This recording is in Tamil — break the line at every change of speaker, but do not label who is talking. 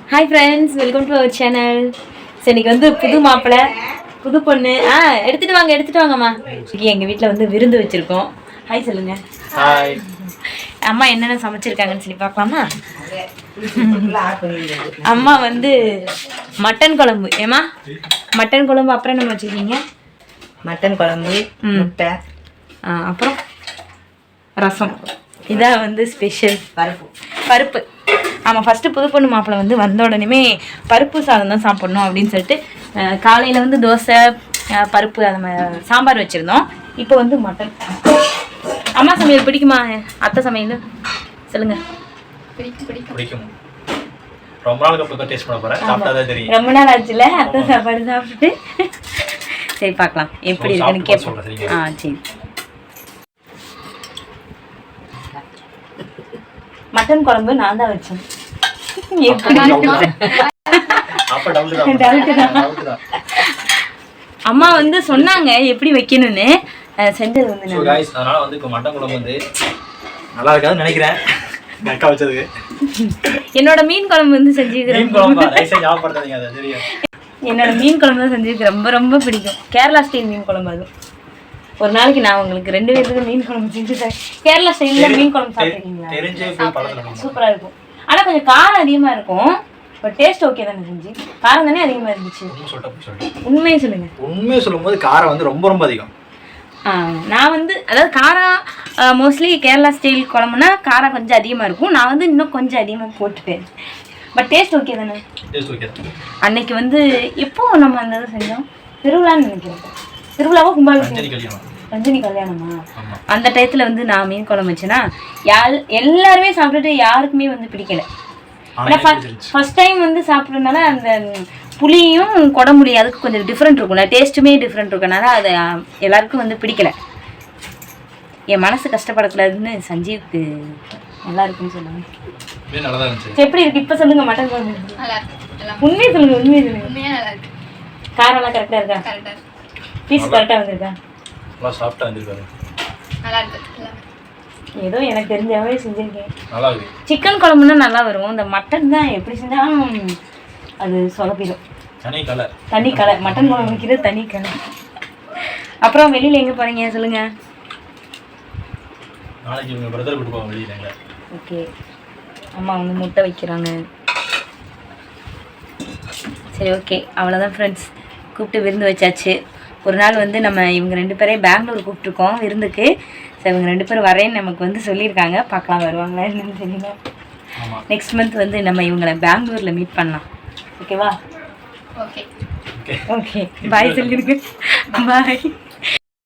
Hi friends, welcome to our channel. So இன்றைக்கி வந்து புது மாப்பிள்ளை புது பொண்ணு எடுத்துகிட்டு வாங்கம்மா. இன்றைக்கி எங்கள் வீட்டில் வந்து விருந்து வச்சுருக்கோம். ஹாய் சொல்லுங்கள்.
ஹாய்.
அம்மா என்னென்ன சமைச்சிருக்காங்கன்னு சொல்லி பார்க்கலாமா? அம்மா வந்து மட்டன் குழம்பு. ஏம்மா மட்டன் குழம்பு அப்புறம் என்ன வச்சுருக்கீங்க?
மட்டன் குழம்பு, முட்டை,
அப்புறம் ரசம். இதான் வந்து ஸ்பெஷல். பருப்பு. ஆமாம், ஃபஸ்ட்டு புது பொண்ணு மாப்பிள்ளை வந்து வந்த உடனே பருப்பு சாதம் தான் சாப்பிட்ணும் அப்படின்னு சொல்லிட்டு காலையில் வந்து தோசை பருப்பு அது மாதிரி சாம்பார் வச்சுருந்தோம். இப்போ வந்து மட்டன். அம்மா சமையல் பிடிக்குமா? அத்தை சமையல் சொல்லுங்கள்.
பிடிக்கும். ரொம்ப நாளுக்கு அப்புறம் டேஸ்ட் பண்ண போகிறேன். சாப்பிட்டா தான் தெரியும்.
ரொம்ப நாள் ஆச்சுல அத்தை சாப்பாடு சாப்பிட்டுட்டு. சரி பார்க்கலாம் எப்படி இருக்குன்னு கேட்போம். சரி. மட்டன் குழம்பு நான் தான் வச்சேன். அம்மா வந்து சொன்னாங்க எப்படி வைக்கணும்னு, செஞ்சது வந்து
அதனால வந்து இப்போ மட்டன் குழம்பு வந்து நல்லா இருக்காதுன்னு நினைக்கிறேன். அக்கா வச்சதுக்கு
என்னோட மீன் குழம்பு வந்து செஞ்சுக்கிறேன். என்னோட மீன் குழம்பு தான் செஞ்சுருக்கேன். ரொம்ப ரொம்ப பிடிக்கும். கேரளா ஸ்டைல் மீன் குழம்பு. அது ஒரு நாளைக்கு நான் உங்களுக்கு 2 பேருக்கு மீன் குழம்பு செஞ்சு தரேன். கேரளா ஸ்டைலில் மீன் குழம்பு சாப்பிட்ருக்கீங்களா? சூப்பராக இருக்கும். ஆனால் கொஞ்சம் காரம் அதிகமாக இருக்கும். பட் டேஸ்ட் ஓகே தானே? செஞ்சு காரம் தானே அதிகமாக இருந்துச்சு. உண்மையை சொல்லுங்க.
உண்மையை சொல்லும்போது காரம் வந்து ரொம்ப ரொம்ப அதிகம்.
நான் வந்து அதாவது காரம் மோஸ்ட்லி கேரளா ஸ்டைல் குழம்புனா காரம் கொஞ்சம் அதிகமாக இருக்கும். நான் வந்து இன்னும் கொஞ்சம் அதிகமாக போட்டுட்டேன். பட் டேஸ்ட் ஓகே தானே? அன்னைக்கு வந்து எப்போ நம்ம அந்த இதை செஞ்சோம், திருவிழான்னு நினைக்கிறேன். திருவிழாவோ கும்பாபிஷேகம், ரஞ்சினி கல்யாணமா? அந்த டயத்தில் வந்து நான் மீன் குழம்பு வச்சேன்னா எல்லாருமே சாப்பிட்டுட்டு யாருக்குமே வந்து பிடிக்கல. ஃபர்ஸ்ட் டைம் வந்து சாப்பிட்றதுனால அந்த புளியும் குடம்புளி அதுக்கு கொஞ்சம் டிஃப்ரெண்ட் இருக்கும்ல, டேஸ்ட்டுமே டிஃப்ரெண்ட் இருக்கனால அது எல்லாருக்கும் வந்து பிடிக்கல. என் மனசு கஷ்டப்படக்கூடாதுன்னு சஞ்சீவுக்கு நல்லா இருக்குன்னு சொன்னாங்க. எப்படி இருக்கு இப்போ சொல்லுங்க? மட்டன் குழம்பு உண்மையை சொல்லுங்க. உண்மையை சொல்லுங்க. காரம்லாம் கரெக்டாக இருக்கா? பீஸ் கரெக்டாக வந்திருக்கா?
சாஃப்டாக வந்திருக்காரு.
ஏதோ எனக்கு தெரிஞ்சாவே செஞ்சுருக்கேன். சிக்கன் குழம்புன்னா நல்லா வரும். இந்த மட்டன் தான் எப்படி செஞ்சாலும் அது சொதப்பிடும். தனி கலை. மட்டன் குழம்பு வைக்கிறது தனி கலை. அப்புறம் வெளியில் எங்கே போகிறீங்க சொல்லுங்க. ஓகே, அம்மா வந்து முட்டை வைக்கிறாங்க. சரி, ஓகே, அவ்வளோதான் ஃப்ரெண்ட்ஸ். கூப்பிட்டு விருந்து வச்சாச்சு. ஒரு நாள் வந்து நம்ம இவங்க 2 பேரையும் பெங்களூர் கூப்பிட்ருக்கோம் விருந்துக்கு. ஸோ இவங்க 2 பேரும் வரேன்னு நமக்கு வந்து சொல்லியிருக்காங்க. பார்க்கலாம் வருவாங்களா என்னன்னு தெரியல. நெக்ஸ்ட் மந்த் வந்து நம்ம இவங்களை பெங்களூரில் மீட் பண்ணலாம். ஓகேவா? ஓகே, பாய் சொல்லியிருக்கு. பாய்.